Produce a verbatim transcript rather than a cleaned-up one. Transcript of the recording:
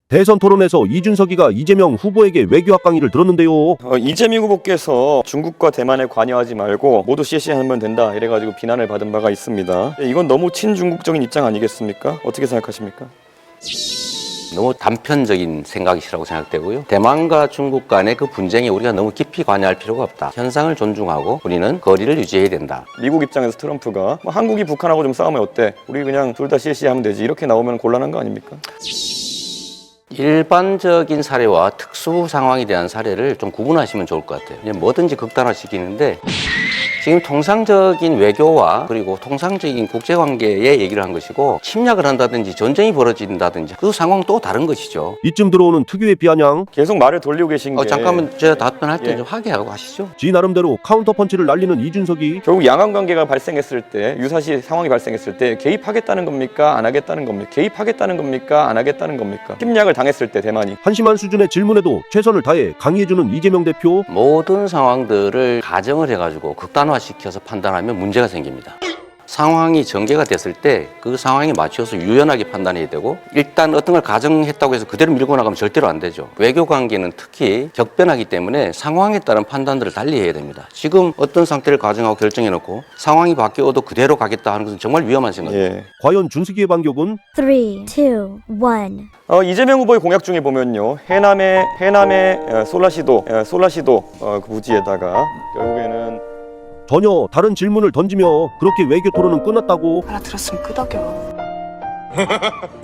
대선 토론에서 이준석이가 이재명 후보에게 외교학 강의를 들었는데요. 어, 이재명 후보께서 중국과 대만에 관여하지 말고 모두 씨씨하면 된다 이래가지고 비난을 받은 바가 있습니다. 이건 너무 친중국적인 입장 아니겠습니까? 어떻게 생각하십니까? 너무 단편적인 생각이라고 생각되고요. 대만과 중국 간의 그 분쟁에 우리가 너무 깊이 관여할 필요가 없다. 현상을 존중하고 우리는 거리를 유지해야 된다. 미국 입장에서 트럼프가 뭐 한국이 북한하고 좀 싸우면 어때? 우리 그냥 둘 다 씨씨하면 되지 이렇게 나오면 곤란한 거 아닙니까? 일반적인 사례와 특수 상황에 대한 사례를 좀 구분하시면 좋을 것 같아요. 그냥 뭐든지 극단화시키는데 지금 통상적인 외교와 그리고 통상적인 국제관계의 얘기를 한 것이고 침략을 한다든지 전쟁이 벌어진다든지 그 상황은 또 다른 것이죠. 이쯤 들어오는 특유의 비아냥. 계속 말을 돌리고 계신 게 어, 잠깐만 제가 답변할 때 예. 좀 하게하고 하시죠. 지 나름대로 카운터 펀치를 날리는 이준석이 결국 양안 관계가 발생했을 때 유사시 상황이 발생했을 때 개입하겠다는 겁니까? 안 하겠다는 겁니까? 개입하겠다는 겁니까? 안 하겠다는 겁니까? 침략을 당했을 때 대만이 한심한 수준의 질문에도 최선을 다해 강의해주는 이재명 대표. 모든 상황들을 가정을 해가지고 극단화시켜서 판단하면 문제가 생깁니다. 상황이 전개가 됐을 때 그 상황에 맞춰서 유연하게 판단해야 되고 일단 어떤 걸 가정했다고 해서 그대로 밀고 나가면 절대로 안 되죠. 외교 관계는 특히 격변하기 때문에 상황에 따른 판단들을 달리 해야 됩니다. 지금 어떤 상태를 가정하고 결정해놓고 상황이 바뀌어도 그대로 가겠다 하는 것은 정말 위험한 생각입니다. 예. 과연 준석이의 반격은? Three, two, one. 어, 이재명 후보의 공약 중에 보면요 해남의 해남의 어, 솔라시도 어, 솔라시도 어, 그 부지에다가 결국에는 전혀 다른 질문을 던지며 그렇게 외교 토론은 끝났다고. 알아들었으면 끄덕여.